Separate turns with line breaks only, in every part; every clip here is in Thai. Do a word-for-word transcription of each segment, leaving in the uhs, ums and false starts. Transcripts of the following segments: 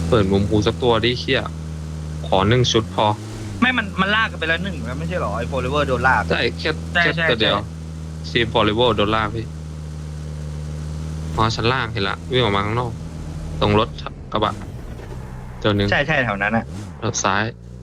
เปิดมุมกูสักตัวดิเชี่ยขอหนึ่งชุดพอ
ไม่มันมันลากกันไปแล้วหนึ่งแล้วไม่ใช่หรอไอ้โฟลิเวอร์โดนลาก
ใช่แค่แค่ตัวเดียวซีฟอลิเวอร์โดนลากพี่อ๋อชั้นล่างเห็นละวิ่งออกมาข้างนอกตรงรถกระบะตัวหนึ่ง
ใช่ใช่แถวนั้นอะ
รถซ้าย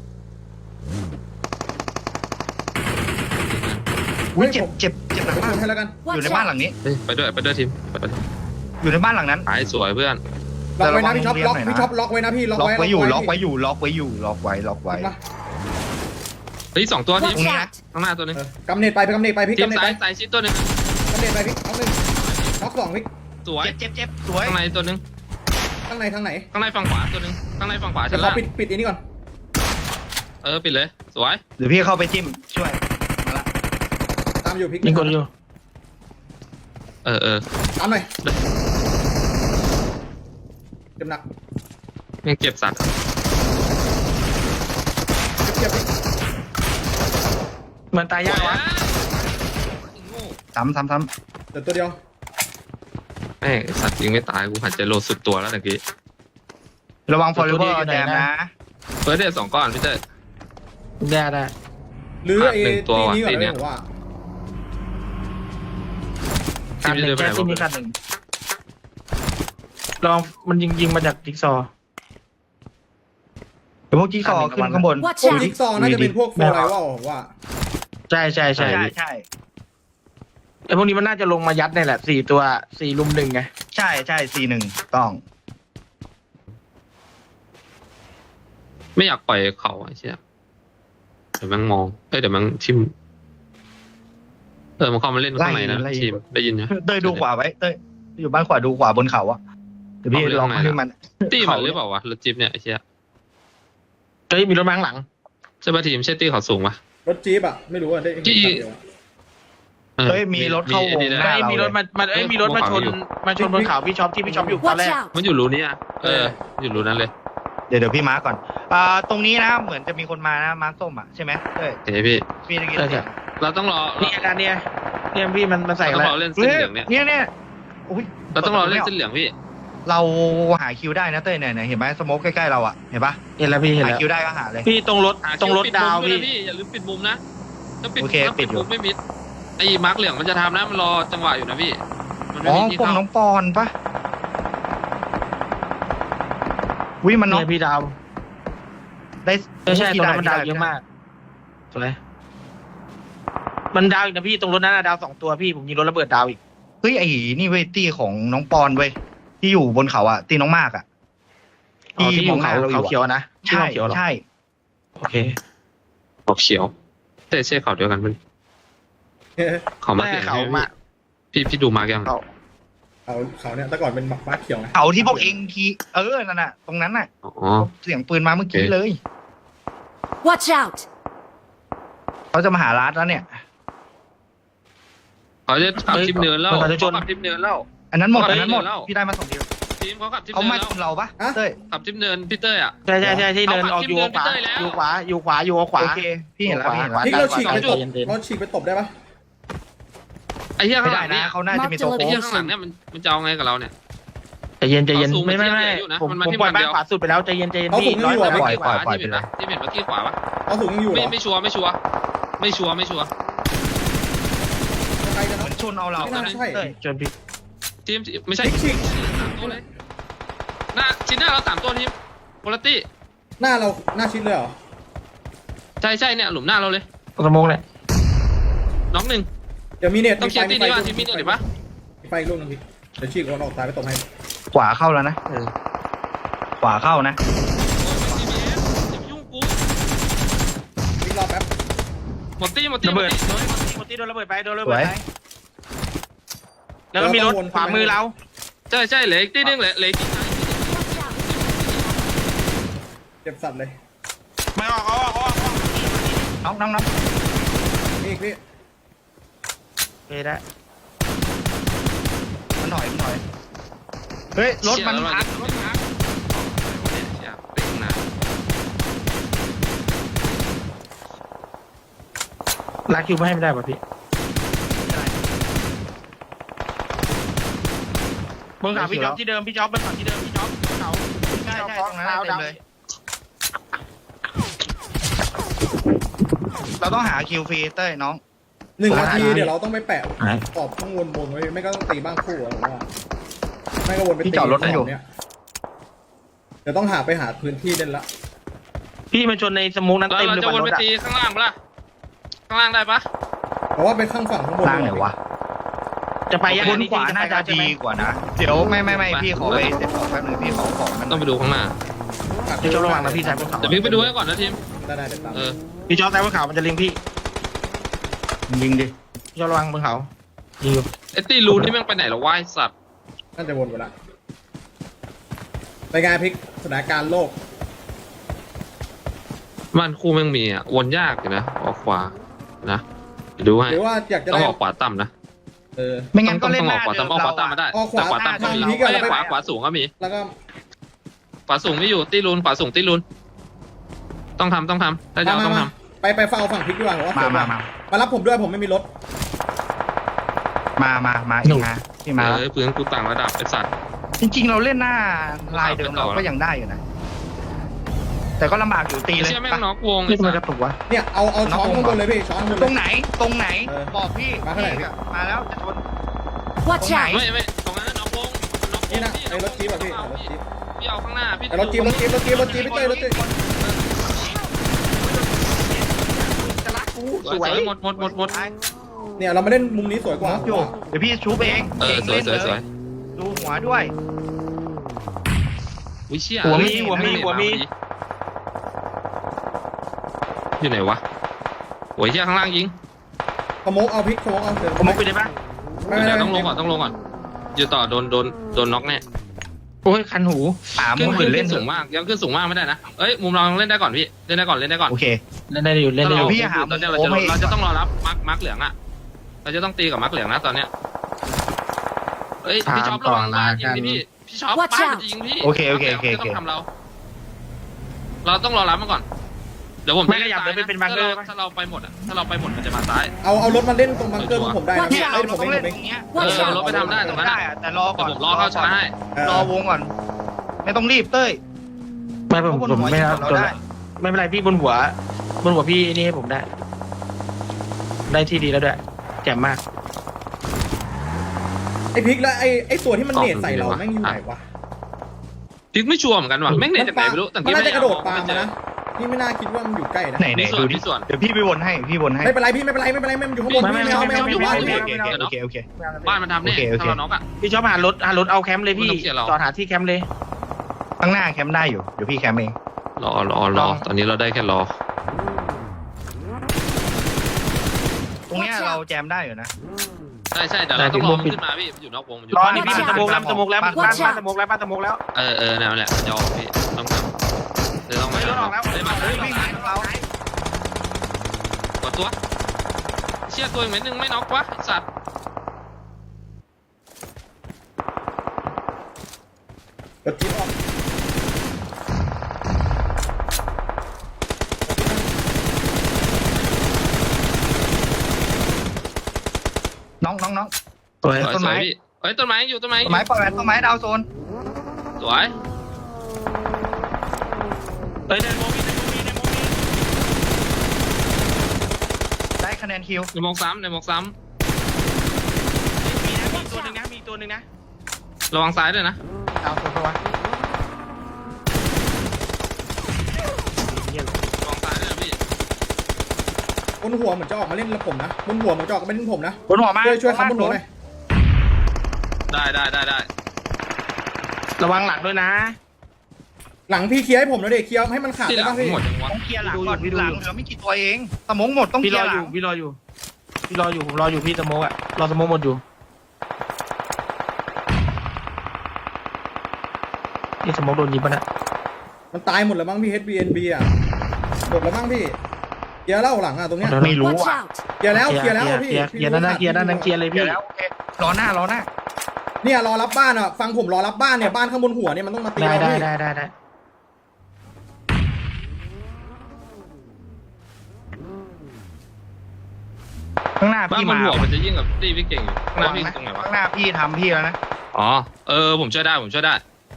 อุ้ยเจ็บเจ็บเจ็บหนักมาก
ให้แล้วกัน
อยู่ในบ้านหลังนี้
ไปด้วยไปด้วยทีมไปด้วย
อยู่ในบ้านหลังนั้น
หายสวยเพื่อน
ล็อกไว้นะพี่ช็อปล็อกพี่ช็อปล็อกไว้นะพี่ล็อก
ล็อก
ไว้
ไว้อยู่ล็อกไว้อยู่ล็อกไว้อยู่ล็อกไว้ล็อกไว้
เฮ้ยสองตัวทีม
ตรงนี้นะ
ข้างหน้าตัวนึง
กำเนิดไปไปกำเนิดไปพี่
ทีม
กำเนิด
ซ้า
ไป
ยซ้ายชิดตัวนึง
กำเนิดไปพี่ล็อกหนึ่งล็อกสองพี่
สวย
เจ็บเจ็บเจ็บสวย
ข้างในตัวนึง
ข้างในทางไหน
ข้างในฝั่งขวาตัวนึงข้างในฝั่งขวา
จะ
ชั้น
ขอ
ล่าง
ปิดปิดอันนี้ก่อน
เออปิดเลยสวย
เดี๋ยวพี่เข้าไปจิ้มช่วยมาละ
ตามอยู่พี่
ยิงกดอยู่
เออเออ
ตามหน่อยเจ็บหนัก
ยังเก็บสัตว์
เจ็บพี่
เหมือนตายยากวะ
ซ้ำซ้ำซ้
เดี๋ยวตัวเดียว
แม่งสัตว์ยิงไม่ตายกูหันใจโลสุดตัวแล้วตะกี้
ำระวังโฟลิเวอร์แจมนะ
เฟิร์สเดย์สองก้อนพี่เต้
ได้ได้
หรือไอ้
หนึ่งตัว
ตีนี้ก่อน
ตี
เล
เนี่ย
ยผมว่า
การหนึ่งแค่ที่มีการหนึ่งลองมันยิงยิงมาจากจิ๊กซอว์
เดี๋ยวพวกจิ๊กซอว์ขึ้นข้างบน
พวกจิ๊กซอว์น่าจะเป็นพวกโฟร์ไลท์ว่าผมว่า
ใช่ใช่ใช่
ใช่ใช่
ไอ้พวกนี้มันน่าจะลงมายัดนี่แหละสี่ตัวสี่ลุมหนึ่งไง
ใช่ใช่สี่หนึ่งต้อง
ไม่อยากปล่อยเขาไอ้เชี่ยเดี๋ยวมันมองเอ้ยเดี๋ยวมันทิมเออมันเข้ามาเล่นข้างในนะทีมได้ยินไหม
เต้ยดูขวาไว้เต้ยอยู่บ้านขวาดูขวาบนเขาอะเดี๋ยวพี่ลองให้มัน
ตีมันหรือเปล่าวะรถจิ๊บเนี่ยไอ้เชี่ย
เฮ้ยมีรถมาข้างหลัง
ใช่ป่ะทีมใช่ตีเขาสูงปะ
รถจี๊ปอะไม่รู้อะได้เห็นคันเดียวอะ
เฮ้ยมีรถเข้าวงห
เฮ้
น้าย เรา
มีรถมามาเอ้ยมีรถมาชนมาชนบนเขาพี่ช็อปที่พี่ช็อปอยู่ตอนแร
Watch
ก
out!
มันอยู่รูนี้อ่ะเอออยู่รูนั้นเลย
เดี๋ยวเดี๋ยวพี่มาร์กก่อนอ่าตรงนี้นะเหมือนจะมีคนมานะมาร์กส้มอะใช่ไหมเต้ย
เฮ้ยพี่
พี่ได้ยิน
ใช่
เสียง
เราต้องรอ
นี่อาการเนี่ยเนี่ยพี่มันมันใส่
เรา
อะ
ต้อ
ไรง
รอเล่นเส้นเหลืองเนี่ย
เนี่ยเนี่ยอุ้ย
เราต้องรอเล่นเส้นเหลืองพี่
เราหาคิวได้นะเต้ยเนี่ยเนี่ยเห็นไหมสโมกใกล้ๆเราอะเห็นปะ
เห็นแล้วพี่เห็น
หา
แล้ว
คิวได้ก็หาเลย
พี่ตรงรถตรงรถดาว
พี่
พี่
อย่าลืมปิดมุมนะถ้าปิด
โอเค
ถ้าปิด
ปิดอยู่
มุมไม่มิดไอ้มาร์กเหลืองมันจะทำนะมันรอจังหวะอยู่นะพี่มันไม่
อ๋อ
มีที่
พวก
เข้า
น้องปอนปะวิมันน้อง
เนี่ยพี่ดาว
ได้
ใช่ใช่ตรงนั้นมันดาว
ได้
เยอะมากสวยมันดาวอีกนะพี่ตรงรถนั้นอะดาวสองตัวพี่ผมยิงรถระเบิดดาวอีก
เฮ้ยไอ้นี่เว้ยตี้ของน้องปอนเว้ยที่อยู่บนเขาอะตีน้องมากอะ
อ๋อที่อยู่เขา
มงหน้
เขาเขียวนะที่
ใช่
เขาเขียวเหรอ
ใช่
โอเค
ออกเขียวแต่ใช่เขาเดียวกันมันเขามา
แม่
เปลี่ยน
เขามา
พี่พี่ดูมาร์กยัง
เขา
เขาเขาเนี่ยแต่ก่อนเป็นม้าเขียวนะ
เขาที่พวกเองทีเออนั่นน่ะตรงนั้นน่ะ
อ๋อ
เสียงปืนมาเมื่อกี้เลย
Watch out!
เขาจะมาหาร้านแล้วเนี่ย
เขาจะขับทิปเนินแล้ว
เขาจะชน
ขับทิปเนินแล้ว
อันนั้นหมด
เขา
อันนั้นหมด
เดินแล้ว
พี่ได้มาสองเดียว
ทีมเขาขับทิป
เขา
เนิ
มาน
แล้ว
ชนเราปะเต้ย
ขับทิปเนินพี่เต้ยอ่ะ
ใช่ใช่ใช่ที่เดิน
เอา
ออกอยู่ขวา
เอา
อยู่ขวาอยู่ขวาอยู่ขวา
โอเคพี่เห็นแล้วพี่เห็นแล้ว
นี่เราฉีกไปตบ
เย็นๆ
เราฉีกไปตบได้ปะ
ไอ้เหี้ย
ไม่
ข้างห
ได้
ลัง
นะ
เนี่ย
เขาน่าจะมีตัว
ไอ้
โค้ง
เหี้ยข้างหลังเนี่ยมันมันจะเอาไงกับเราเนี่ย
ใจเย็นใจเย็น
เขาสูง
ไม่ไม่
มัน
ไม่
เทียบอยู่นะ
ผม
มันมา
ผม
ที่
ปล่อย
มัน
บ้า
เดี
น
ยว
ขวาสุดไปแล้วใจเย็นใจเย็นพี่ร้อย
ไม่
เปอร์
ป
เซ็นต์
ขวาที่เห็นนะที่เห็นเมื่อกี้ขวาปะ
เขาสูงยังอยู่เหร
ไม่
อ
ไม่ชัวร์ไม่ชัวร์ไม่ชัวร์ไม่ชัวร์
ใครกัน
เหมื
นะ
อนชนเอาเรา
ไม่น่าใช่
เต้ย
จนพี่
ทีมไม่ใช่
ฉีก
สามตัวเลยหน้าชิ้นหน้าเราสามตัวทีมโพลตี้
หน้าเราหน้าชิดเลยเหรอ
ใช่ใช่เนี่ยหลุมหน้าเราเลย
สมองเลย
น้องหนึ่ง
เดี๋ยวมีเน็ต
ต้องเคลียร์ตีนี้ว่าทีมมีเน็ตหรือปะ
มีไฟอีกลูกนึงพี่เดี๋ยวฉีกคนออกซ้ายไปตบให้
ขวาเข้าแล้วนะขวาเข้านะ
อย่าไปยุ่งกู
วิ่งรอบแป๊บ
หมดตีหมดตี
ระ
หม
เบิ
ด
ด
ตี
โดนหมดที่โดนระเบิดไปโดนระเบิดไปแล้วก็มีรถขวามือเรา
ใช่ใช่เหลืออีกตีนึงเหลือเหลืออีกตีนึง
เจ็บสัตว์เลย
ไม่ออกเอาออกเอาออก
น้องน้องน้อง
นี่อีกพี่
โอเคได้
มันถอยมันถอยเฮ้ยรถมันพัก
รถพักเชี่ยเต็งนะ
ลากคิวไม่ให้ไม่ได้ป่ะพี่บนเขาพี่จ๊อบที่เดิมพี่จ๊อบบนเขาที่เดิมพี่จ๊อบบนเขา
ใช่ใช่ตรงนั้นเต็มเลย เราต้องหาคิวฟรีเต้ยน้อง
หนึ่งนาทีเดี๋ยวเราต้องไปแปะขอบข้างวนบนไว้ไม่ก็ต้องตีบ้างคู่อะผมว่าไม่ก็วนไปตีเนี่ยเดี๋ยวต้องหาไปหาพื้นที่เด่นละ
พี่มาชนในสมุกนั้น
เรา
เต็ม
เรา
เลย
จะ
บ
วน
น
ไป
รถอะ
ตีข้างล่างปะล่ะข้างล่างได้ปะ
เพราะว่าไปข้างฝั่งข้างบน
ล่างไหนวะ
จะไปยัง
บนขวาน่าจะดีกว่านะ เดี๋ยวไม่ไม่ไม่พี่ขอไปเซ็ตของแป๊บนึงพี่ขอของมัน
ต้องไปดูข้างหน้า
พี่จ๊อบระวังนะพี่ชายบนเขา
เดี๋ยวพี่ไปดูให้ก่อนนะทีม
ได้ได้เดี๋ยวตาม
เออ
พี่จ๊อบซ้ายบนเขามันจะเล็งพี่
ยิงดิ
พี่จ๊อบระวังบนเขายิงอยู่
ไอ้ตีรูนี่แม่งไปไหนหรอวะไอ้สัตว์
น่าจะวนไปละไปงานพลิกสถานการณ์โลก
บ้านคู่แม่งมีอ่ะวนยากอยู่นะออกขวานะเดี๋ยวดูให้
หรือว่าอยากจะ
ต้อง
ได้
ออกขวาต่ำนะ
เออ
ไม่งั้นก็
ต้อง
เล่น
ต้อง
ห
ออ
น้าก
ขวา
เดิม
ต่ำออกขวา
เรา
ต่ำมาได้
ออกขวา
แต่ขวาต่ำก็มี
ทางนี้ก่อน
เอ้ย
แล้วไป
ขวาขวาสูงก็มี
แล้วก็
ขวาสูงไม่อยู่ตีรูนขวาสูงตีรูนต้องทำต้องทำได้เดี๋ยว
มา
ต้อง
มา
ท
ไปไปเฝ้าฝั่งพลิกดีกว่าผมว่า
มา
เสีย
มา
เวล
มา
มารับผมด้วยผมไม่มีรถ
มามามาอีกมาพี่
ำ
มา
เออปืนกูต่างระดับไอ้สัตว์
จริงๆเราเล่นหน้าลายเดิมเราก็ยังได้อยู่นะ แต่ก็ลำบากอยู่ตี
ไอ้
เลย
เชี่ยแม่งน็อกวง
พี่
ไอ้
ทำไม
สั
ก
ต
ระ
ว์
ตุกวะ
เนี่ยเอาเอาช้อนข้างบนเลยพี่ช้อนข้างบน
ต
เล
ร
ย
งไหนตรงไหน
เออ
บอกพี่
มาเท่าไหร่พี่
มาแล้วจะชน
Watch
Không
out!
ไม่ไม่ตรงนั้นน็อกวงน็อกว
นี่
ง
นะ
พี่
ไอ้รถจี๊ปอะพี่
เอา
รถ
พี่
จี๊ป
พี่เอาข้างหน้าพี่
ไอ้รถจี๊ปรถจี๊ปรถจี๊ปรถจี๊ปพี่เต้ยรถจี๊ป
จะรักกู
สวยหมดหมดหมดหมด
เนี่ยเรามาเล่นมุมนี้สวยกว่า
น็อกอยู่เดี๋ยวพี่ชูเอง
เออ
ก่ง
สวย
ล่น
สวยสวย
เลดูหัวด้วย
วิเชี่ย
หัวมี
เอ้ย
หัวมี
นั่ง
หัวมี
อยู่ไหนวะโอ้ยเชี่ยข้างล่างยิง
สโมกเอาพลิกสโมกเอาเสือ
สมุกไปได้ปะ
ไม่ไม่
เดี๋ยว
ไม่
ต้องลงก่อนต้องลงก่อนอยู่ต่อโดนโดนโดนน็อกแน่
โอ้ยคันหู
สาม
ขึ้น
หมื่
ขึ้
น
น
เล่
เล่
น
น
สู
สู
ง
งมากยังขึ้นสูงมากไม่ได้นะเอ้ยมุมเราเล่นได้ก่อนพี่เล่นได้ก่อนเล่นได้ก่อน
โอเค
เล่นได้อยู่เล่นได้อยู่
พี่หา
ตอนเนี้ยเรา
โอ้
จะ
ไม่
เราจะต้องรอรับมาร์คมาร์คเหลืองอ่ะเราจะต้องตีกับมาร์คเหลืองนะตอนเนี้ยเอ้ยพี่ช็อประวังบ้านยิงดิพี่พี่ช็อป
Watch
บ้าน
out
มันจะยิงพี่
โอเคโอเคโอเค
ไม่ต้องทำเรา เราต้องรอรับมาก่อนเดี๋ยวผม
ไม่ขยับเลยเป็นบังเกอร์
ถ้าเราไปหมดอ่ะถ้าเราไปหมดมันจะมาซ้าย
เอาเอารถมาเล่นตรงบังเกอร์ของผมได้นะ
เนี่ยเรา
ไอ้ผม
ต้อง
เอ
เล่
ง
น
ผมเอง
ตรงเนี้ย
เออรถไปทำได้ตรงนั้น
ได้
อะ
อะแต่รอ
แต่
ก่อน
ผมรอเข้าช้าให้
รอวงก่อน ไม่ต้องรีบเต้ย
ไม่ผมผมไม่เอา
เรา
จน
ได้
ไม่เป็นไรพี่บนหัว บนหัวพี่นี่ให้ผมได้ ได้ที่ดีแล้วด้วยแจ่มมาก
ไอ้พลิกแล้วไอ้ไอ้ตัวที่มันเนตใส่เราแม่งอยู่ไหนวะ
พิกไม่ชัวร์เหมือนกันว่ะแม่งเน็ตจากไหนไม่รู้แต่
มัน
กี้
น่า
ไม่
จะกระโดดปา
เอ
มานะนี่ไม่น่าคิดว่ามันอยู่ใกล้นะ
ไหนไหน
มีส่วน
ดูดิ
มีส่วน
เดี๋ยวพี่ไปวนให้พี่วนให้
ไม่เป็นไรพี่ไม่เป็นไรไม่เป็นไรไม่มันอยู่ข้างบน
ไม่
พี่
ไม่
ไม่เอา
ไม่
ไม่เอา
ไม่
อยู่
ไม่
บ้าน
โอ
พี่
เคโอเคโอเคโอเค
บ้านมันทำเนี่ย
โอเคโอเค
ถ้าเราน็อกอ่ะ
พี่ชอบหารถหารถเอาแคมป์เลยพี่
ไม่ต้องเสียหรอก
จอดหาที่แคมป์เลย
ข้างหน้าแคมป์ได้อยู่เดี๋ยวพี่แคมป์เอง
รอรอรอตอนนี้เราได้แค่รอ
ตรงเนี้ยเราแจมได้อยู่นะ
ใช่ใช่แต่เราต้องรอมันขึ้นมาพี่อยู่นอกวงมันอยู่
รอ
บ้าน
นี่พี่เป็นสโมกแล้วสโมกแล้วบ้าน
Watch
บ้าน
out
สโมกแล้วบ้านสโมกแล้ว
เออเออนั่นแหละยอมพี่ต้องทำเดี๋ยวต้อง
เฮ้ยรถออกแล้ว
เฮ้ยมา
เฮ้ยวิ่งหาเรา
กดตัวเชี่ยตัวอีกเม็ดนึงไม่น็อกวะไอ้สัตว์
รถจี๊ปออก
น้องน้องน้อง
สวย
สวย
ต้น
ส
ไม้
วยพี่เฮ้ยต้นไม้อยู่ต้นไม้อ
ต้
ยู่
นไม้ปล่อยแหวนต้นไม้ดาวโซน
สวย
เฮ้ยในโมมีในโมมีในโมมี
ได้คะแนนคิว
ในหมอกซ้ำในหมอกซ้
มีนะมีตัวหนึ่งนะมีตัวหนึ่งนะ
ำระวังซ้ายด้วยนะ
ดาวตัวตัว
ระวังซ้ายด้วยนะพี่
บนหัวเหมือนจะออกมาเล่นแล้วผมนะบนหัวเหมือนจะออกมาเล่นผมนะ
บนหัวมา
ช่วยช่วยคำบนหัวหน่อย
ได้ได้ได้ได้
ระวังหลังด้วยนะ
หลังพี่เคลียร์ให้ผมแล้วเด็กเคลียร์ให้มันขาด
ที่ห
ได้
ลัง
ป่ะพี่
หมดยังวะ
ต้องเคลียร์หลังก่อนหลังเหลือไม่กี่ตัวเองสมองหมดต้องเค
พี่
ลี
ร
ย
อ
ร์ห
อ
ลั
ยู่
ง
พี่รออยู่พี่รออยู่ผมรออยู่พี่สโมกอะรอสโมกหมดอยู่นี่สโมกโดนยิงปะนะ
มันตายหมดแล้วมั้งพี่ เอช บี เอ็น บี อ่ะหมดแล้วมั้งพี่เคลียร์แล้วหลังอ่ะตรงเนี้ย
ไม่รู้
Watch
อ่ะ
out!
เคลียร์แล้วเคลียร์แล้วพี่
เคลียร์นั่นนะเคลียร์นั่นนั่นเคลียร์เลย
เคลีย
พี่
ร์แล้วโอเครอหน้ารอหน้า
เนี่ยรอรับบ้านอ่ะฟังผมรอรับบ้านเนี่ยบ้านข้างบนหัวเนี่ยมันต้องมาตี
ได้
เรา
ได้
พี่
ได้ได้ได้
ข้างหน้า
บ้าน
พี่
บน
มา
หัวมันจะยิ่งกับตีพี่เก่งอยู่ข้างหน้าพี่
นะ
ตรงไหนวะ
ข้างหน้าพี่ทำพี่แล้วนะ
อ๋อเออผมช่วยได้ผมช่วยได้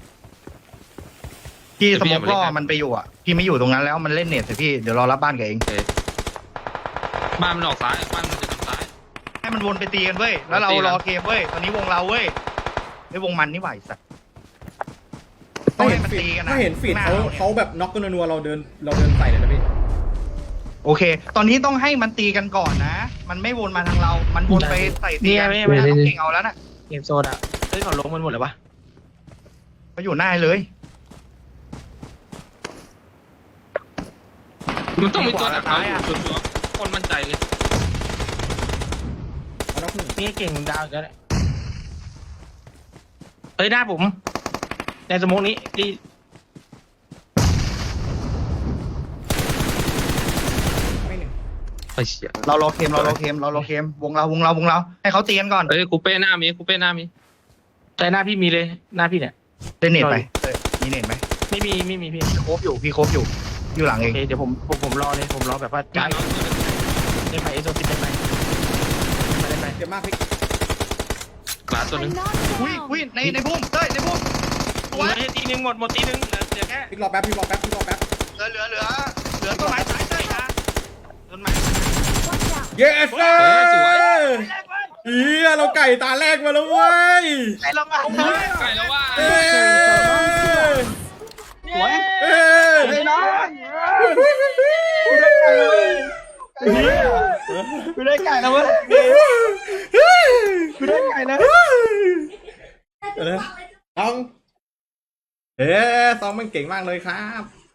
พี่
เดี๋ยว
ส
พี่
ม
เอา
อง
มาเล่น
ล่อ
กัน
มันไปอยู่อ่ะพี่ไม่อยู่ตรงนั้นแล้วมันเล่นเน็ตสิพี่เดี๋ยวรอรับบ้านแกเอง
โอเคบ้านมันออกซ้ายบ้านมันจะทางซ้าย
ให้มันวนไปตีกันเว้ยแล้วเรา
ตีกัน
รอเกมเว้ยตอนนี้วงเราเว้ยไอ้วงมันนี่ไหวสัตว์
ถ้าเห็น
มัน
ฟีด
ตีกันนะ
ถ้าเห็นฟีด
ข้างหน้า
เขา
เราเนี่ย
เขาแบบน็อกกันนัวๆเราเดินเราเดินใส่เลยนะพี่
โอเค ตอนนี้ต้องให้มันตีกันก่อนนะ มันไม่วนมาทางเรา มันวนไปใส่ตีกัน
ไม่
ไม่
ไม่
ต้
ไม่
องเก่งเอาแล้วนะ
เกมโซนอ่ะเฮ้ยเขาลงมันหมดเลยปะ
มาอยู่หน้าเลย
มันต้องมีตัวดัก
ขวา
เรา
ซ้ายอะ
ชัวร์ๆคนมั่นใจเลย
เอาน็อกหนึ่ง
นี่เก่งดาวอีกแล้วเนี่ยเฮ้ยหน้าผมในสโมองนี้ที่
ไม่หนึ่ง
ไอ้เชี่ย
เรารอเกมเรารอเกมเรารอเกมวงเราวงเราวงเราให้เขาตีกันก่อน
เอ้ยคูเป้หน้ามีคูเป้หน้ามี
ใจหน้าพี่มีเลยหน้าพี่เนี่ย
เล่นเน็ตไปเออมีเน็ตไหม
ไม่มีไม่มีพี่
พี่โคบอยู่พี่โคบอยู่อยู่หลัง
โอ
เอง
เคเดี๋ยวผมผมผมรอเลยผมรอแบบว่า
จ้า
จ่ายเล่นไปเอโซติดเล่นไปเล่นไป
เจ็บมากพี่
กลาตัวหนึง
I'm knocked
อุ้ย
down.
อุ้ยในในพุ่มเต้ยในพุ่ม
เหลือตีหนึ่งหมดหมดตีหนึ่งเหลือเหลือแค่
พี่รอแป๊บพี่รอแป๊บพี่รอแป๊บ
เหลือเหลือเหลือเหลือต้นไม้ซ้ายเต้ยนะต้นไม้
Watch out.
เยสเอ้
เออสวย
ยเฮียเราไก่ตาแรกมาแล้วเว้ย
ไอ้เรามา
ไก่แล้วว่า
เอ้ย
สวย
เอ้ย
ไอ้น้อง
กูได้ไก่แล้วเว้ยกูได้ไก่แล้ว
เดี๋ยวนะน้องเอ๊ะซองมันเก่งมากเลยครับ